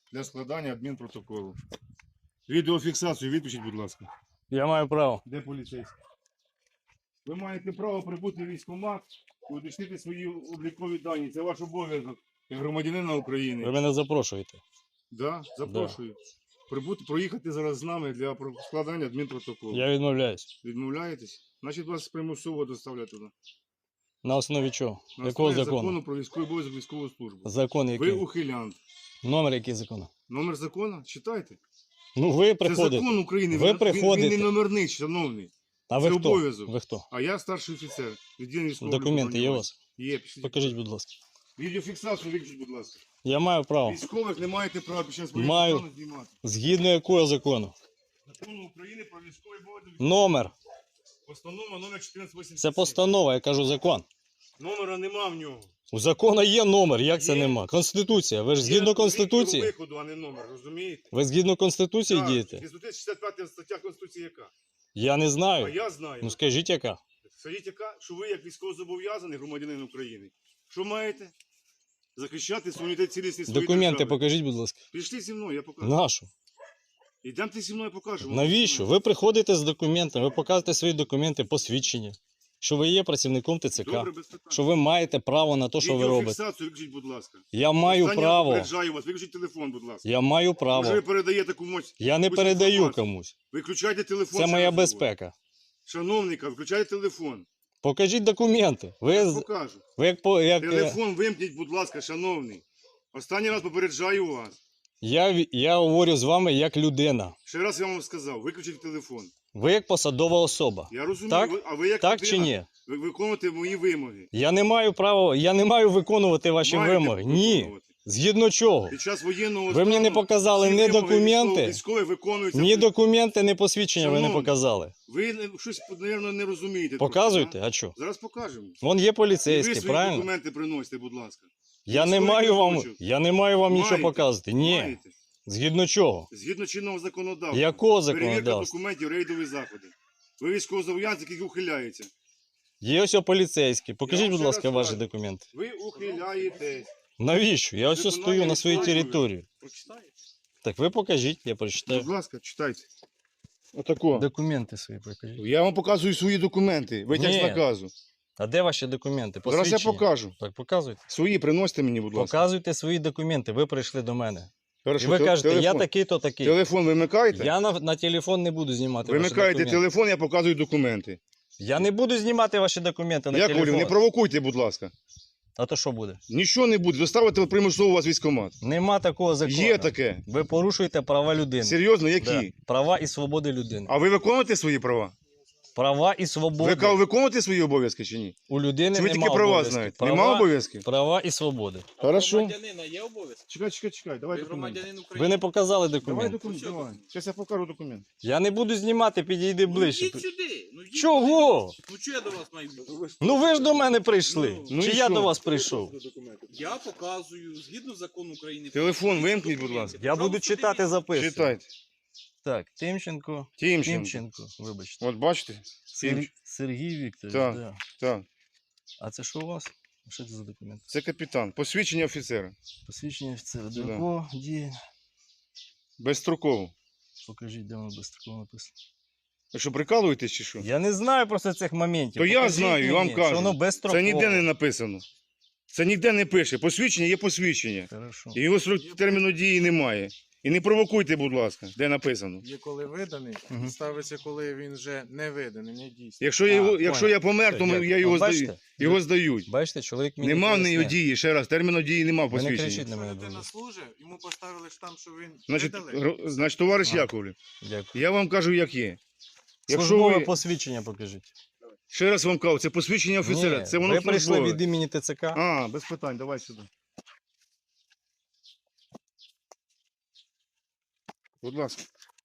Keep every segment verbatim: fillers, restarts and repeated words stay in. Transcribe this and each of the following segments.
для складання адмінпротоколу. Відеофіксацію виключіть, будь ласка. Я маю право. Де поліцейський? Ви маєте право прибути в військкомат і уточнити свої облікові дані. Це ваш обов'язок як громадянина України. Ви мене запрошуєте. Да, запрошую. Прибути, проїхати зараз з нами для про- складання адмінпротоколу. Я відмовляюсь. Відмовляєтесь? Значить вас примусово доставлять туди. На основі чого? На Якого основі закону? закону про військовий обов'язок військову службу. Закон Ви який? ухилянт. Номер який закону? Номер закону? Читайте. Ну ви Це приходите. закон України. Ви він, приходите. Він не номерний, шановний. А ви це хто? обов'язок. Ви хто? А я старший офіцер. Відділення військового Документи є у вас? Є. Пішли. Покажіть, будь ласка. Відеофіксацію виключіть, будь ласка. Я маю право. Військових не маєте права під час Маю. воєнного стану знімати. Згідно якого закону? Закону України про військовий обов'язок. Номер. Постанова номер чотирнадцять вісімдесят Це сім. постанова, я кажу закон. Номера нема в нього. У закону є номер, як це Є. нема? Конституція. Ви ж Є згідно вихід Конституції? виходу, а не номер, розумієте? Ви згідно Конституції Так, дієте? шістдесят п'ята стаття Конституції яка? Я не А знаю. я знаю. Ну скажіть яка? Скажіть, яка, що ви як військовозобов'язаний громадянин України, що маєте? Захищати суверенітет цілісність своєї Документи держави. покажіть, будь ласка. Пішли зі мною, я покажу. Нашу. Ідемте зі мною, покажемо. Навіщо? Ви приходите з документами, ви показуєте свої документи, посвідчення, що ви є працівником ТЦК, Добре, без питань. що ви маєте право на те, що ви робите. Відеофіксацію виключіть, будь ласка. Я маю Останнє право. попереджаю вас, виключіть телефон, будь ласка. Я маю Може ви право. передаєте комусь. Я не якусь передаю інформацію? комусь. Виключайте телефон. Це ще моя раз говорю. безпека. Шановника, включайте телефон. Покажіть документи. Ви, Я з- покажу. ви як, по- як е, Телефон вимкніть, будь ласка, шановний. Останній раз попереджаю вас. я, ві- я говорю з вами як людина. Ще раз я вам сказав, виключіть телефон. Ви як посадова особа. Я розумію, Так? ви- а ви як Так людина, чи ні? ви виконуєте мої вимоги. Я не маю права, я не маю виконувати ваші Маєте вимоги. Ні. виконувати. Згідно чого? Під час воєнного Ви мені не стану показали всі ні вимоги документи, військові виконуються. ні документи, ні посвідчення ви не Шановний, показали. Ви не- щось, мабуть, не розумієте. Показуйте, трохи, а що? да? Зараз покажемо. Вон є І ви поліцейські, свої правильно? документи приносите, будь ласка. Я не Історик маю вам, кусочок. я не маю вам нічого Маєте. показувати. Ні. Маєте. Згідно чого? Згідно чинного законодавства. Якого Перевірка законодавства? документів, рейдові заходи. Ви військовозобов'язаний, який ухиляється. Є ось о поліцейські. Покажіть, вам будь ще ласка, раз ваші кажу. документи. Ви ухиляєтесь. Навіщо? Я ось ось Виконання стою на своїй військової території. Прочитаєте? Так ви покажіть, я Будь прочитаю. ласка, читайте. Отако. Документи свої покажіть. Я вам показую свої документи. Витяг з Ні. наказу. А де ваші документи? Зараз я Посвідчення? покажу. Так, показуйте. Свої приносите мені, будь ласка. Показуйте свої документи. Ви прийшли до мене. Хорошо, І ви те- кажете, я телефон. такий-то такий. Телефон вимикаєте? Я на, на телефон не буду знімати ваші Вимикаєте документи. телефон, я показую документи. Я не буду знімати ваші документи на Я телефон. говорю, не провокуйте, будь ласка. А то що буде? Нічого не буде. Доставити примусово вас військкомат. Нема такого закону. Є таке. Ви порушуєте права людини. Серйозно, які? Да. Права і свободи людини. А ви виконуєте свої права? Права і свободи. Ви кажете, виконуєте свої обов'язки чи ні? У людини Чи ви нема тільки права обов'язків. знаєте? Права, Нема обов'язків? Права і свободи. Хорошо. Громадянина є обов'язки? Чекай, чекай, чекай. Давай Ви документи. громадянин Ви України. не показали Давай документи. документи, Що давай. документи? Зараз я покажу документи. Я не буду знімати, підійди ближче. Йдіть сюди. Ну, йдіть Чого? сюди. Ну чого я до вас маю бути? Ну ви ж до мене прийшли. Ну Чи і я що? до вас прийшов? Я показую, згідно закону України. Телефон вимкніть, будь ласка. Я буду читати, записувати. Читайте. Так, Тимченко. Тімченко. Тимченко, вибачте. От бачите? Сер- Тимч- Сергій Вікторович, Так. да. Так. А це що у вас? Що це за документ? Це капітан. Посвідчення офіцера. Посвідчення офіцера. До Да. якого діє? Безстроково. Покажіть, де воно безстроково написано. Ви що, прикалуєтесь чи що? Я не знаю просто цих моментів. То я Покажіть знаю, вам мені, кажу. Що воно безстроково. Це ніде не написано. Це ніде не пише. Посвідчення є посвідчення. Хорошо. І його срок терміну дії немає. І не провокуйте, будь ласка, де написано. Є коли виданий, Мгм. ставиться, коли він вже не виданий, не дійсний. Якщо, я А, його, якщо понял. я помер, то Все, ми- дякую. я його От здаю. бачите? Його здають. Бачите, чоловік мені Нема в неї пояснив. дії, ще раз, терміну дії нема в Ви не кричіть посвідченні. на Якщо мене, людина будь ласка. служить, йому поставили штамп, що він Значить, видалий. гро- значить, товариш А. Яковлев, Дякую. я вам кажу, як є. Якщо Службове ви, посвідчення покажіть. ще раз вам кажу, це посвідчення офіцера, Ні, це воно ви прийшли службове. від імені ТЦК. А, без питань, давай сюди. Будь ласка.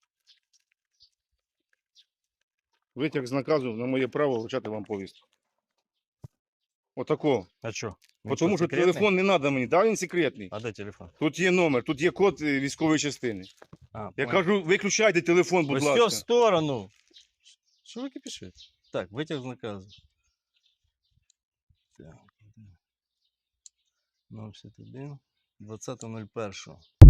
Витяг з наказу на моє право вручати вам повістку. Отако. А що? Бо Тому що телефон не треба мені, да, він секретний. А де телефон? Тут є номер, тут є код е, військової частини. А, Я понял. кажу, виключайте телефон, будь Ось ласка. в сторону. Що ви кипішите? Так, витяг з наказу. Так. ну п'ятдесят один. двадцять нуль один.